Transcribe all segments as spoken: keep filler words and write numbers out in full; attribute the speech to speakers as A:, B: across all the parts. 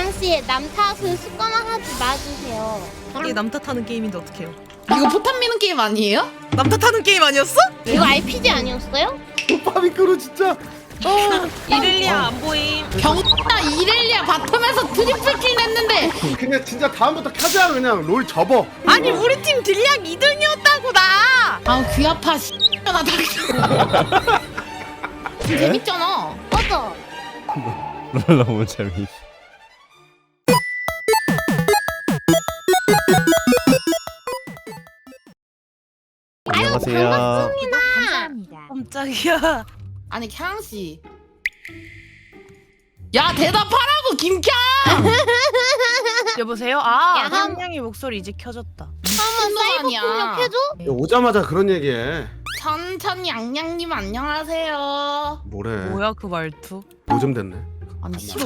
A: 캬양씨 남 탓을 습관화하지 마주세요.
B: 이게 남 탓하는 게임인데 어떡해요?
C: 이거 포탄 미는 게임 아니에요?
B: 남 탓하는 게임 아니었어?
A: 이거 알피지 아니었어요?
D: 파미크로 진짜.
B: 이렐리아 안 보임.
C: 병따 이렐리아 바텀에서 트리플킬 냈는데
D: 그냥 진짜 다음부터 켜자 그냥 롤 접어.
B: 아니 우리 팀 딜량 이 등이었다고 나.
C: 아 귀 아파 씨. 나 다 재밌잖아.
A: 맞아.
E: 너무 재밌어. 안녕하세요.
A: 반갑습니다.
B: 깜짝이야.
C: 아니 캬양씨 야 대답하라고 김캬.
B: 여보세요? 아,
A: 야, 한-
B: 한양이 목소리 이제 켜졌다.
A: 한번 사이버
C: 아니야.
A: 폭력해줘?
D: 오자마자 그런 얘기해.
C: 천천히 양양님 안녕하세요.
D: 뭐래?
B: 뭐야 그 말투?
D: 요즘 됐네.
C: 아니 싫어.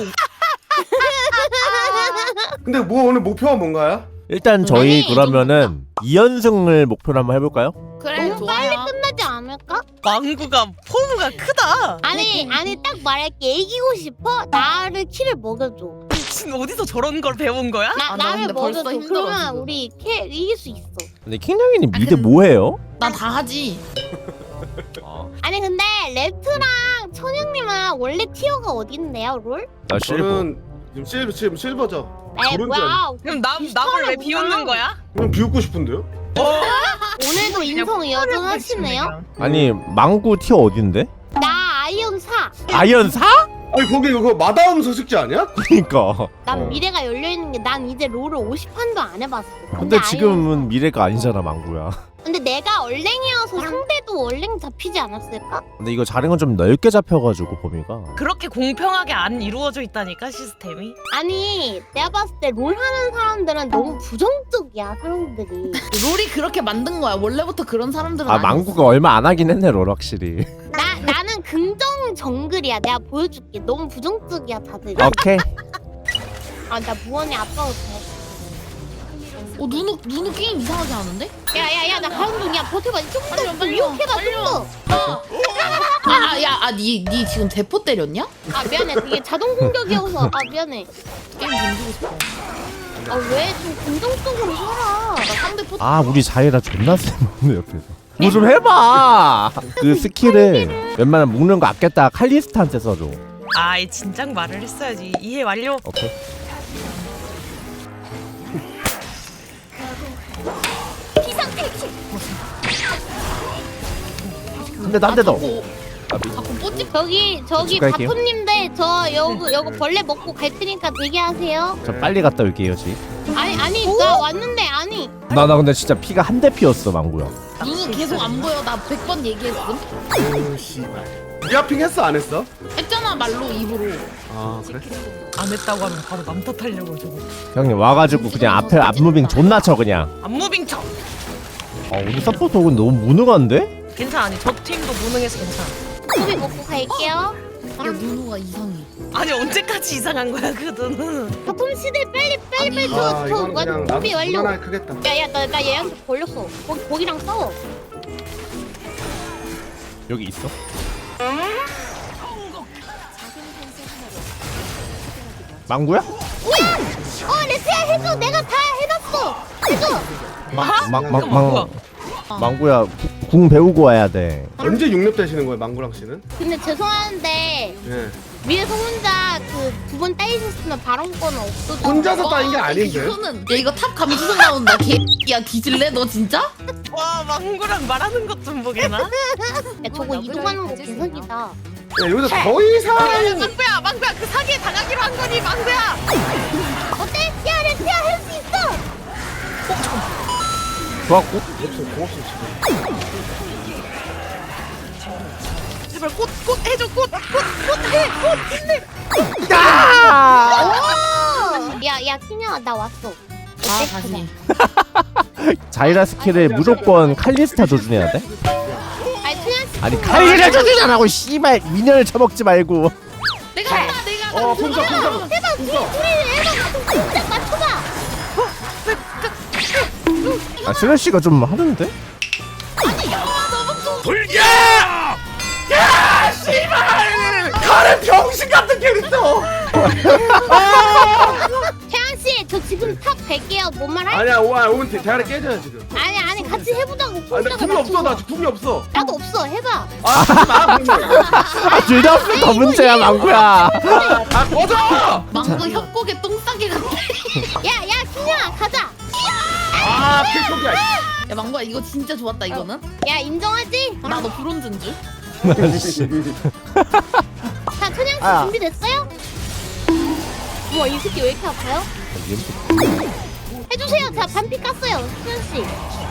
D: 근데 뭐 오늘 목표가 뭔가요?
E: 일단 저희
C: 아니,
E: 그러면은 이 연승을 목표로 한번 해볼까요?
C: 그래
A: 너무 빨리
C: 좋아요.
A: 끝나지 않을까?
B: 망구가 포부가 크다.
A: 아니 아니 딱 말할게. 이기고 싶어? 나를 키를 먹여줘.
B: 지금 어디서 저런 걸 배운 거야?
A: 나
C: 아, 나
A: 나를
C: 근데 벌써
A: 먹여줘.
C: 힘들어,
A: 그러면
C: 지금.
A: 우리 키 이길 수 있어.
E: 근데 킹냥이님
C: 아,
E: 미드
C: 근데-
E: 뭐해요?
C: 나 다 하지.
A: 아니 근데 레트랑 천영님은 원래 티어가 어딘데요, 롤?
E: 나 실버.
D: 저는 지금 실버 지금 실버죠.
A: 에
D: 그런 줄
A: 뭐야?
B: 그럼 남 남을 왜 비웃는 거야?
D: 그럼 비웃고 싶은데요?
A: 오늘도 인성 여전하시네요.
E: 아니 망구 티어 어딘데?
A: 나 아이언 사.
E: 아이언 사?
D: 아니 거기 그거 마다움 소식지 아니야?
E: 그니까.
A: 난
E: 어.
A: 미래가 열려 있는 게 난 이제 롤을 오십 판도 안 해봤어.
E: 근데
A: 아이언
E: 지금은 미래가 아니잖아 망구야.
A: 사. 근데 내가 얼랭이어서 상대도 얼랭 잡히지 않았을까?
E: 근데 이거 자리가 좀 넓게 잡혀가지고 범위가.
B: 그렇게 공평하게 안 이루어져 있다니까 시스템이.
A: 아니 내가 봤을 때 롤 하는 사람들은 너무 부정적이야 사람들이.
C: 롤이 그렇게 만든 거야. 원래부터 그런 사람들은
E: 아
C: 아니었어.
E: 망구가 얼마 안 하긴 했네 롤 확실히.
A: 나 나는 긍정 정글이야. 내가 보여줄게. 너무 부정적이야 다들.
E: 오케이.
A: 아 나 무언의 아빠가 돼.
C: 어 누누 누누 게임 이상하게 하는데?
A: 야야야 나 가는 중이야. 버텨봐. 좀더
C: 빨리
A: 유혹해봐
C: 빨리
A: 좀 더.
C: 아야아니니 지금 대포 때렸냐?
A: 아 미안해. 그게 자동 공격이어서. 아 미안해.
C: 게임 던지고 싶어.
A: 아 왜 좀 긍정적으로 살아.
C: 나 상대 포.
E: 아 우리 자리라 존나 쎄먹네 옆에서. 뭐 좀 해봐. 그 스킬을 웬만하면 묶는 거 아꼈다가 칼리스타한테 써줘.
B: 아이 진작 말을 했어야지. 이해 완료.
E: 오케이.
A: 비상퇴치.
E: 근데 나 한 대 더.
C: 자꾸 자꾸 뽀찌.
A: 저기 저기
E: 집 갈게요.
A: 바토님들 저 여기 여기 벌레 먹고 갈 테니까 대기하세요.
E: 저 빨리 갔다 올게요 지.
A: 아니 아니 나 왔는데 아니.
E: 나 나 근데 진짜 피가 한 대 피었어 망구야.
C: 누누 계속 안 보여. 나 백 번 얘기했음.
D: 오 씨발. 리아핑 했어 안 했어?
C: 했잖아 말로 입으로.
D: 아 그래?
B: 안 했다고 하면 바로 남 탓하려고 저거.
E: 형님 와가지고 그냥 앞에 앞무빙 존나 쳐 그냥.
B: 안무빙 쳐.
E: 아 우리 서포터 오근 너무 무능한데?
B: 괜찮아. 아니 저 팀도 무능해서 괜찮아.
A: 소비 먹고 갈게요.
C: 야 누누가 이상해.
B: 아니 언제까지 이상한 거야 그 눈은.
A: 바텀 시대 빨리 빨리 빨리
D: 아
A: 저저
D: 이건 그냥 나도
A: 소비 완료.
D: 무난하게 크겠다.
A: 야야 나 나 얘한테 걸렸어. 거기 거기랑 싸워.
E: 여기 있어? 망구야?
A: 어 레트야 해줘. 내가 다 해놨어. 해줘.
B: 아?
E: 망망망 망구야 구- 궁 배우고 와야 돼.
D: 언제 육렙 되시는 거예요 망구랑 씨는?
A: 근데 죄송한데
D: 예.
A: 위에서 혼자 그 두 번 따이셨으면 발언권은 없어져.
D: 혼자서 따인 게 아닌데?
C: 이거는 야 이거 탑 감수성 나온다. 개야 뒤질래 너 진짜?
B: 와 망구랑 말하는 것 좀 보게나.
A: 야 저거 이동하는 거 개사기다.
D: 야, 여기서 더 이상
B: 망구야 망구야 그 사기에 당하기로 한 거니 망구야.
A: 어때? 야 레트야 할 수 있어.
E: 좋았고.
D: 고맙습니다 고맙습니다.
B: 제발 꽃꽃 해줘 꽃꽃꽃해꽃 힘내.
A: 야야 키냐 나 왔어.
C: 아
A: 어때?
C: 다시.
E: 자이라 스킬을 무조건 칼리스타 조준해야 돼?
A: 아니 그냥
E: 아니 칼리스타 조준하라고 씨발 미녀를 쳐먹지 말고.
C: 내가 한다 내가.
D: 어 풍선 풍선
A: 해봐 둘이 둘이 해봐. 진짜 맞춰봐.
E: 아 슬래시가 좀 하는데?
D: 불겨! 야 씨발! 가는 병신 같은 캐릭터! 아!
A: 뭔 말 할?
D: 아니야 오아 오면 대- 대가리 깨져요 지금.
A: 아니 아니 같이 해보자고.
D: 아 근데 궁이 없어 나 지금 궁이 없어.
A: 나도 없어. 해봐.
D: 아 하지마 궁.
E: 아, 둘 다 없으면 더 문제야 망구야.
D: 아 꺼져.
C: 망고 협곡에 똥 싸게 같아.
A: 야야 킹아 가자.
D: 아 필속이야.
C: 야 망고야 이거 진짜 좋았다 이거는.
A: 야 인정하지?
C: 나 너 브론즈인 줄.
A: 자 천양 씨
E: 아.
A: 준비됐어요? 우와 이 새끼 왜 이렇게 아파요? 해주세요. 제가 반피 깠어요. 천양 씨.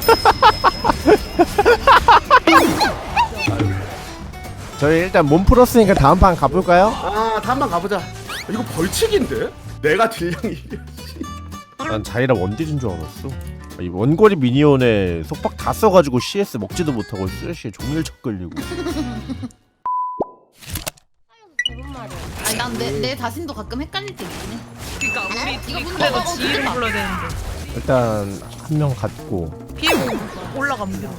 E: 저희 일단 몸 풀었으니까 다음 판 가볼까요?
D: 아 다음번 가보자. 이거 벌칙인데? 내가 딜량이.
E: 난 자이라 원딜인 줄 알았어. 이 원거리 미니언에 속박 다 써가지고 씨에스 먹지도 못하고 쓰레쉬에 종일 척 끌리고.
A: 대본 말이야.
C: 아니 난 내 내 자신도 가끔 헷갈릴 때 있긴 해.
B: 그니까 우리
C: 이거
B: 우리
C: 문
B: 그래도
C: 닫아,
B: 지혜를
C: 닫아.
B: 불러야 되는데
E: 일단 한 명 갖고.
B: 비에고 올라가면 돼.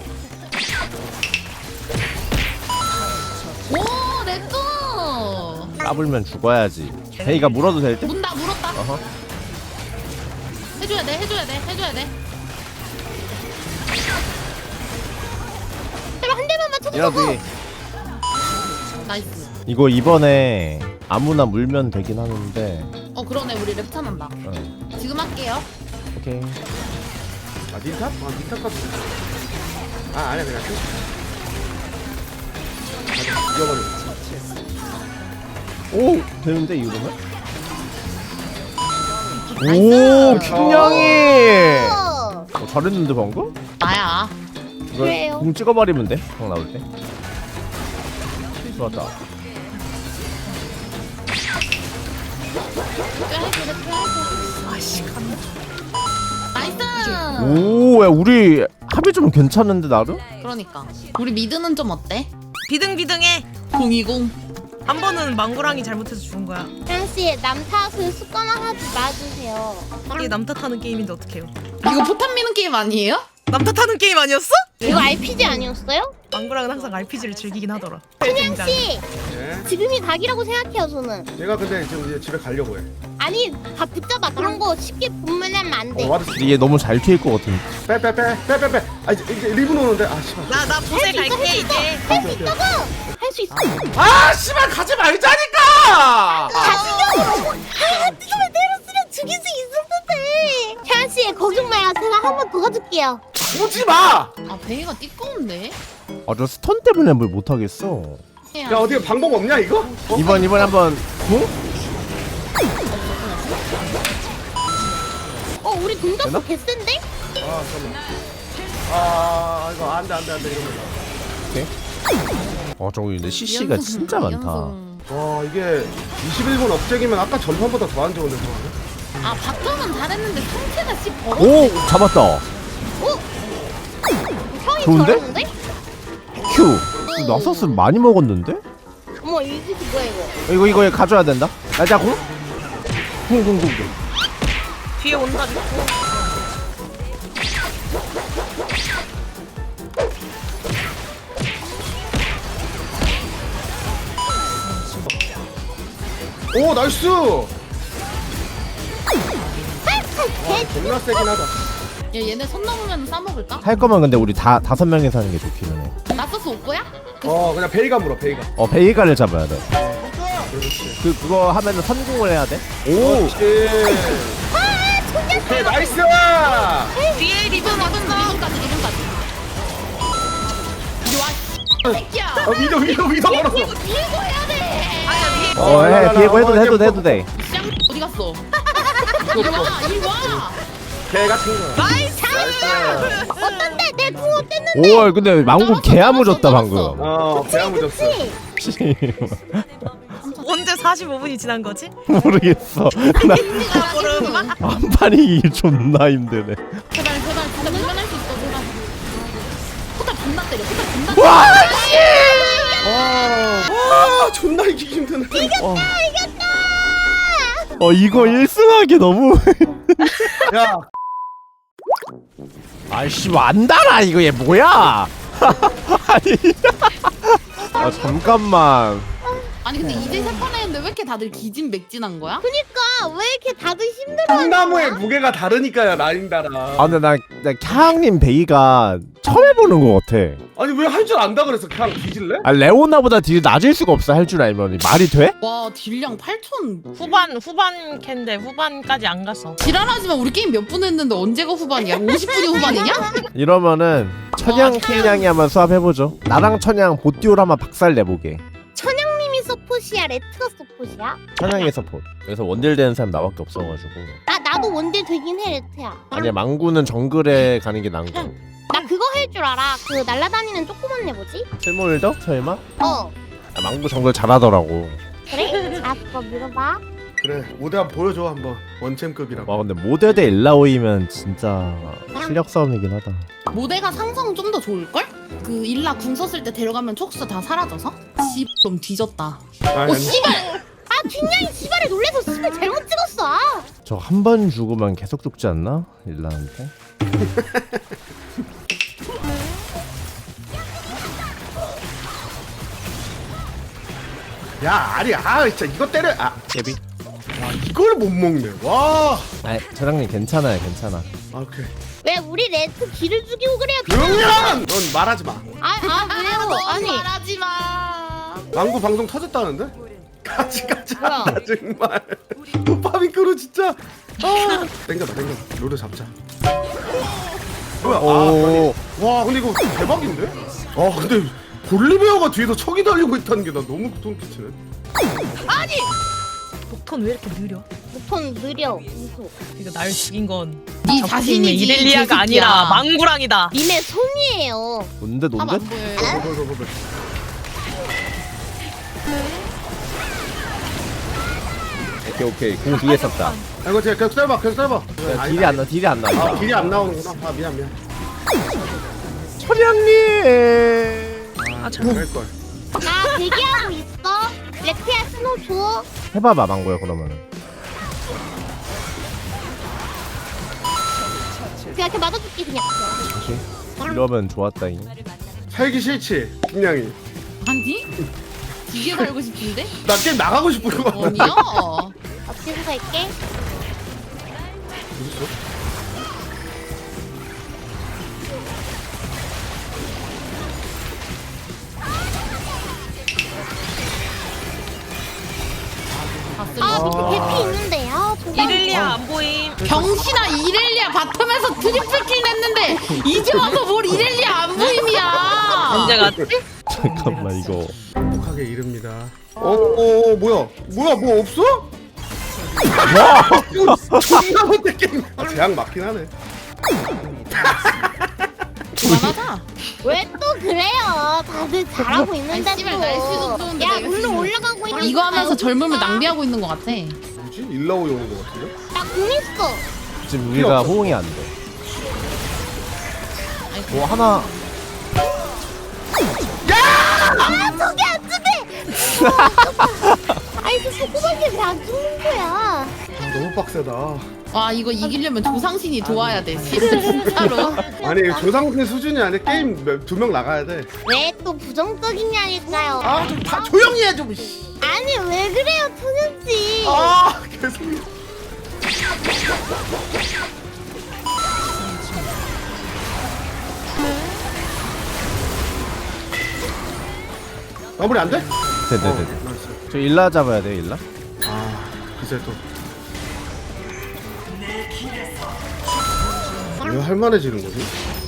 C: 오 렛츠.
E: 까불면 죽어야지. 베이가 물어도 될 때?
C: 문다 물었다.
E: 어허.
C: 해줘야 돼 해줘야 돼 해줘야 돼.
A: 제발 한 대만 맞춰줘.
E: 이러지.
C: 나이스.
E: 이거 이번에 아무나 물면 되긴 하는데.
C: 어 그러네 우리 랩차 난다.
E: 어.
C: 지금 할게요.
E: 오케이.
D: 아 닌탑? 아 닌탑 같은. 아 아니야 그냥. 이겨버려.
E: 오 되는데 이러면?
C: 나이스.
E: 오 킹냥이.
A: 어.
E: 어, 잘했는데 방금?
C: 나야.
E: 이거
A: 그래요.
E: 공 찍어버리면 돼. 형 나올 때. 좋았다.
B: 아씨 간.
C: 나이스.
E: 오, 야 우리 합이 좀 괜찮은데 나름?
C: 그러니까 우리 미드는 좀 어때?
B: 비등비등해.
C: 공이공.
B: 한 번은 망고랑이 잘못해서 죽은 거야.
A: 천양 씨 남 탓을 습관화하지 마주세요.
B: 이게 남 탓하는 게임인데 어떡해요?
C: 이거 포탄 미는 게임 아니에요?
B: 남 탓하는 게임 아니었어?
A: 이거 알피지 아니었어요?
B: 망고랑은 항상 알피지를 즐기긴 하더라.
A: 천양 씨
D: 네.
A: 지금이 각이라고 생각해요 저는.
D: 내가 근데 지금 이제 집에 가려고 해.
A: 아니 다 붙잡아. 그런 거 쉽게 분면하면 안 돼.
D: 어 와드.
E: 얘 너무 잘 피할 것 같은데.
D: 빼빼빼빼빼빼. 아 이제 이제 리븐 오는데 아 씨발.
B: 나 나 보세 갈게 이제.
A: 할 수 있다고. 할 수 있어.
D: 아 씨발 가지 말자니까.
A: 가지려고. 아 뜨거운 테러스를 죽일 수 있었는데. 천양 씨 걱정 마요. 제가 한 번 도와줄게요.
D: 오지 마.
C: 아 베이가 띠꺼운데?
E: 아 저 스턴 때문에 뭘 못하겠어.
D: 야 어디 방법 없냐 이거? 어?
E: 이번 이번 한번. 어?
A: 어 우리
E: 되나?
A: 동작도 개센데?
D: 아 잠깐만. 아 이거 안돼 안돼 안돼 이러면.
E: 오케이. 어 저기 근데 씨씨가
C: 연승,
E: 진짜 많다.
C: 연승.
D: 와 이게 이십일 분 업적이면 아까 전판보다 더 안 좋은데 상황이?
C: 아 바텀은 잘했는데 상태가 씨 버거.
E: 오 잡았다.
A: 오! 형이
E: 좋은데?
A: 잘하는데?
E: 큐. 나서스 많이 먹었는데?
A: 어머 이 새끼 뭐야 이거.
E: 이거 이거 가져야 된다. 나자 공. 공공공.
B: 뒤에 온다 믿고.
D: 오 나이스.
A: 개
D: 존나 세긴 하다.
C: 야 얘네 손 넘으면 싸먹을까?
E: 할 거면 근데 우리 다 다섯 명이서 하는 게 좋기는 해.
C: 나서스 올 거야?
D: 어 그냥 베이가 물어 베이가.
E: 어 베이가를 잡아야 돼.
D: 그렇지.
E: 그 그거 하면은 성공을 해야 돼. 오.
D: 그렇지. 오케이 나이스.
B: 뒤에 리본
C: 리븐
B: 왔어.
C: 리븐까지 리븐까지. 이리 와. 새끼야.
D: 어 위도 위도 위도 걸었어.
C: 밀고 해야 돼.
B: 아니야 위에.
E: 어, 해 비에고 해도 돼, 해도 돼, 해도 돼.
C: 쌍 어디 갔어? 이리 와 이리 와.
D: 개 같은 거.
B: 나이스.
A: 어떤데? 내 궁 어땠는데?
E: 오, 근데 망고 개야무졌다 방금.
D: 어 배아무졌어.
A: 그치?
B: 언제 사십오 분이 지난 거지?
E: 모르겠어. 나
B: 나 모르는
E: 한 판이 존나 힘드네.
C: 제발 제발 진짜 밀면할 수 있어 제발. 포탈 존나 때려 포탈 존나 때려.
E: 와 씨.
D: 와 존나 이기기 힘드네.
E: 어. 어 이거 일 승하기 너무.
D: 야
E: 아이씨 안 달아 이거 얘 뭐야? 아니. 아 잠깐만.
C: 아니 근데 이제 세 판 했는데 왜 이렇게 다들 기진맥진한 거야?
A: 그니까 왜 이렇게 다들 힘들어하는
D: 콩나무의
A: 거야?
D: 무게가 다르니까요 라인다라.
E: 아 근데 나, 나 캬항님 베이가 처음 해보는 거 같아.
D: 아니 왜 할 줄 안다 그래서 그냥 뒤질래?
E: 아 레오나보다 딜이 낮을 수가 없어. 할 줄 알면 말이 돼?
C: 와 딜량 팔천.
B: 후반 후반 캔데 후반까지 안 갔어.
C: 지랄하지만 우리 게임 몇 분 했는데 언제가 후반이야? 오십 분이 후반이냐?
E: 이러면은 천양 킬량이 한번 수합해보죠. 나랑 천양 보띠오를 한번 박살 내보게.
A: 천양님이 서폿이야 레트가 서폿이야?
E: 천양의 서폿. 그래서 원딜 되는 사람 나밖에 없어가지고.
A: 나 나도 원딜 되긴 해 레트야.
E: 아니야 망구는 정글에 가는 게 나은 거.
A: 나 그거 할 줄 알아. 그 날라다니는 조그만 애 뭐지?
E: 실물더? 설마?
A: 어.
E: 아, 망구 정글 잘하더라고.
A: 그래? 알았어 물어봐.
D: 그래 모대 한번 보여줘 한번 원챔급이라고.
E: 와 근데 모델 대 일라오이면 진짜 실력 싸움이긴 하다.
C: 모대가 상성 좀 더 좋을걸? 그 일라 궁 썼을 때 데려가면 촉수 다 사라져서? 씨 좀 뒤졌다.
D: 아니,
C: 오
D: 아니.
C: 씨발!
A: 아 뒷냥이 씨발에 놀래서 씨발 잘못 찍었어. 아.
E: 저 한 번 죽으면 계속 죽지 않나? 일라한테?
D: 야 아니 아 진짜 이거 때려. 아
E: 예비?
D: 와, 이걸 못 먹네. 와.
E: 아 저장님 괜찮아요 괜찮아.
D: 아 오케이.
A: 왜 우리 레트 기를 죽이고 그래요?
D: 그러면 넌 말하지 마.
A: 아아 왜요? 아니
C: 말하지 마.
D: 망구 방송 터졌다는데? 같이 가자.
A: 뭐야?
D: 정말. 도파민크로 진짜. 아. 땡겨봐 땡겨봐. 롤을 잡자. 뭐야? 아,
E: 오.
D: 와 근데 이거 대박인데? 아 근데 볼리베어가 뒤에서 척이 달리고 있다는 게 나 너무 소름끼치네.
B: 녹턴 왜 이렇게 느려?
A: 무턴 느려 무소.
B: 이거 날 죽인 건
C: 네
B: 적팀의
C: 자신이지.
B: 이렐리아가
C: 개새끼야.
B: 아니라 망구랑이다.
A: 님의 손이에요.
E: 뭔데
C: 하면
E: 뭔데?
C: 안 보여요.
D: 볼, 볼, 볼, 볼.
E: 오케이 오케이 공 뒤에 썼다.
D: 아 이거 제가 계속 썰봐 계속 썰봐.
E: 야, 딜이 안 나, 딜이 안 나.
D: 아 길이 안 나오는구나. 아 미안 미안.
E: 천양님.
B: 아 저.
D: 할걸.
A: 나 대기하고 있어. 레트야 스노 줘.
E: 해봐봐 망고야 그러면은.
A: 그냥 이렇게 맞아줄게 그냥.
E: 그치? 이러면 좋았다잉.
D: 살기 싫지 김양이.
C: 아니? 이게 살고 싶은데?
D: 나 게임 나가고 싶은 거.
C: 아니야.
A: 앞뒤로 갈게.
C: 봤을
A: 아
C: 때.
A: 밑에 개피 있는데. 아 저거.
B: 이렐리아 안 보임.
C: 병신아 이렐리아 바텀에서 트리플킬 냈는데 이제 와서 뭘 이렐리아 안 보임이야.
B: 언제 갔지?
E: 잠깐만 이거.
D: 행복하게 이릅니다. 어, 어, 어 뭐야? 뭐야 뭐 없어? 와! 존나 못해 게임. 아, 제약 맞긴 하네.
C: 그만하자.
A: 왜 또 그래요? 다들 잘하고 있는데
C: 아이, 씨발, 날씨도 좋은데
A: 야
C: 내가
A: 물로
C: 지금
A: 올라가고 있는
C: 이거 하면서 젊음을 낭비하고 있는 것 같아.
D: 뭐지? 일라오이 오는 거 같은데?
A: 나공 있어.
E: 지금 우리가
D: 없어.
E: 호응이 안 돼. 뭐 하나.
A: 아 저게 안 죽네. 아이 저 소구방이 왜안 죽는 거야?
D: 아, 너무 빡세다.
C: 와 이거 이기려면 조상신이 도와야 돼. 진짜로.
D: 아니 조상생 수준이 아니라 게임 두 명 나가야 돼.
A: 왜 또 부정적이냐니까요.
D: 아 좀 다 조용히 해 좀.
A: 아니 왜 그래요 천연씨.
D: 아 계속. 마무리 안 돼?
E: 네네네.
D: 어, 나이스.
E: 저 일라 잡아야 돼 일라.
D: 아 글쎄 또. 왜 할만해지는 거지?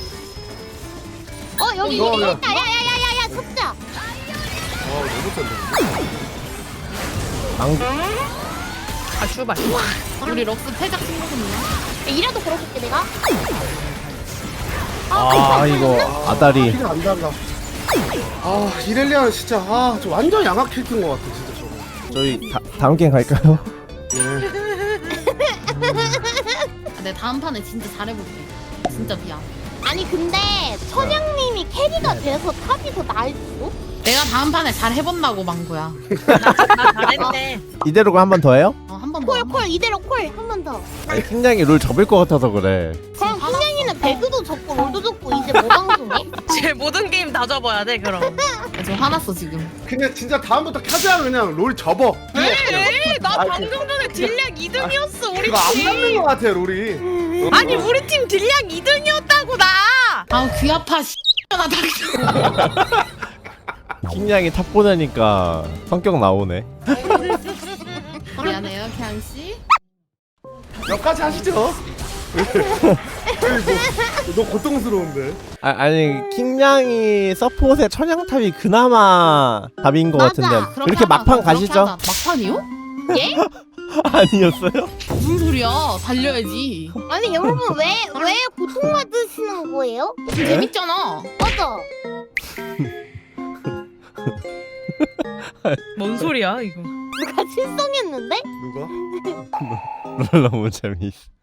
A: 어 여기
D: 어,
A: 이리
D: 야.
A: 있다. 야야야야야 쳤자.
D: 아 너무 센데.
E: 망구.
B: 아 출발.
C: 우리 럭스 패작 친구군요.
A: 이라도 걸어줄게 내가.
E: 아 이거 아다리.
D: 피가 안 달라. 아 이렐리아는 진짜 아저 완전 양악 캐릭터인 것 같아 진짜 저거.
E: 저희 다, 다음 게임 갈까요?
D: 예.
C: 아, 내 다음 판에 진짜 잘해볼게. 진짜 미안.
A: 아니 근데 천양님이 캐리가 돼서 탑이 더 나을 수도?
C: 내가 다음 판에 잘 해본다고 망구야.
B: 나 잘했네.
E: 이대로 한 번 더 해요?
C: 어, 한 번 더.
A: 콜콜 이대로 콜 한 번 더.
E: 아니 팀장이 룰 접을 것 같아서 그래.
A: 그럼 흰냥이는 배 배그도 접고 롤도 접고 이제 뭐 방송해?
B: 제 모든 게임 다 접어야 돼 그럼.
C: 저 화났어 지금.
D: 그냥 진짜 다음부터 켜자 그냥 롤 접어.
B: 에이 나
D: 아,
B: 방금 전에 딜량 이 등이었어 우리
D: 이거 안 맞는
B: 팀.
D: 거 같아 롤이.
B: 아니 우리 팀 딜량 이 등이었다고 나.
C: 아우 귀 아파. 씨. 나 닥쳐.
E: 킹냥이 탑 보내니까 성격 나오네.
C: 미안해요 캬 씨.
D: 여기까지 하시죠. 뭐, 너 고통스러운데.
E: 아, 아니 킹냥이 서폿의 천양탑이 그나마 답인 것
A: 맞아.
E: 같은데
C: 그렇게
E: 그렇게
C: 하자,
E: 막판
C: 그렇게
E: 가시죠?
C: 하자. 막판이요?
A: 예?
E: 아니었어요?
C: 무슨 소리야? 달려야지.
A: 아니 여러분 왜 왜 고통받으시는 거예요?
C: 지금 재밌잖아.
A: 맞아.
B: 뭔 소리야 이거.
A: 누가 실성했는데?
D: 누가?
E: 너무 재미있어.